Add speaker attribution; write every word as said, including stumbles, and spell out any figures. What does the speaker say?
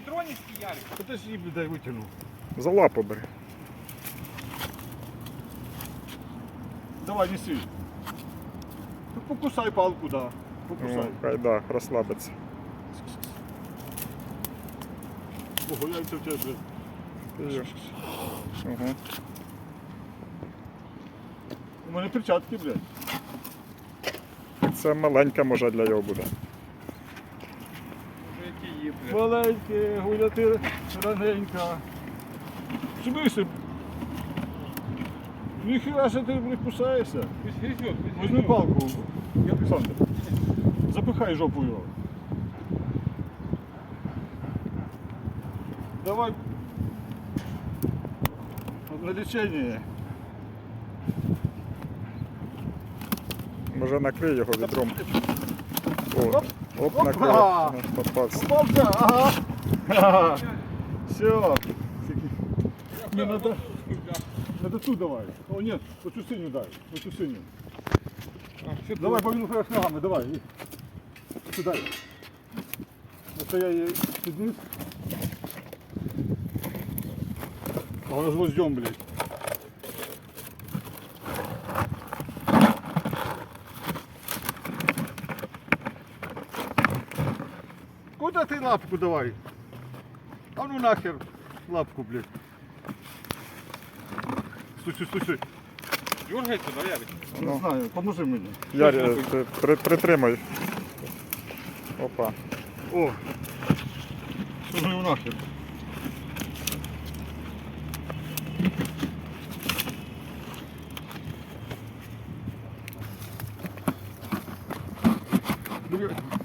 Speaker 1: тронешься, Ярик?
Speaker 2: Подожди, дай витягну.
Speaker 3: За лапу бери.
Speaker 2: Давай, неси. Ну, покусай палку, да. Покусай.
Speaker 3: О, хай да, розслабиться.
Speaker 2: Ого, яйця в тебе, блядь.
Speaker 3: Є. Ага.
Speaker 2: У мене перчатки, блядь.
Speaker 3: Це маленька може для його буде.
Speaker 1: Уже які є, блядь.
Speaker 2: Маленьке, гуляти раненька. Смисл? Ніхіра що ти, блядь, кусаєшся.
Speaker 1: Пусть грызет, пусть
Speaker 2: Возьми
Speaker 1: грызет.
Speaker 2: палку, Олександр. Запихай жопу його. Давай. На лечение.
Speaker 3: Може накрий його відром. О,
Speaker 2: Оп.
Speaker 3: оп,
Speaker 2: Опа.
Speaker 3: накрив. Ага, попався.
Speaker 2: Попався, ага. Ага. Все. Не надо. Надо ту давай. О, нет, вот ту синюю дай. Вот ту синюю.
Speaker 1: А, всё,
Speaker 2: Давай, повину с ногами, давай. Сюда. Это я ей підніс. А вона з гвоздем, блядь. Куда ты лапку давай? А ну нахер лапку, блядь. Стой, стой, стой, стой.
Speaker 1: Дергается, да, Ярик?
Speaker 2: Не
Speaker 3: Ну.
Speaker 2: знаю, поможи мені.
Speaker 3: Ярі, ти при, притримай. Опа.
Speaker 2: О! Що ну нахер? Блядь.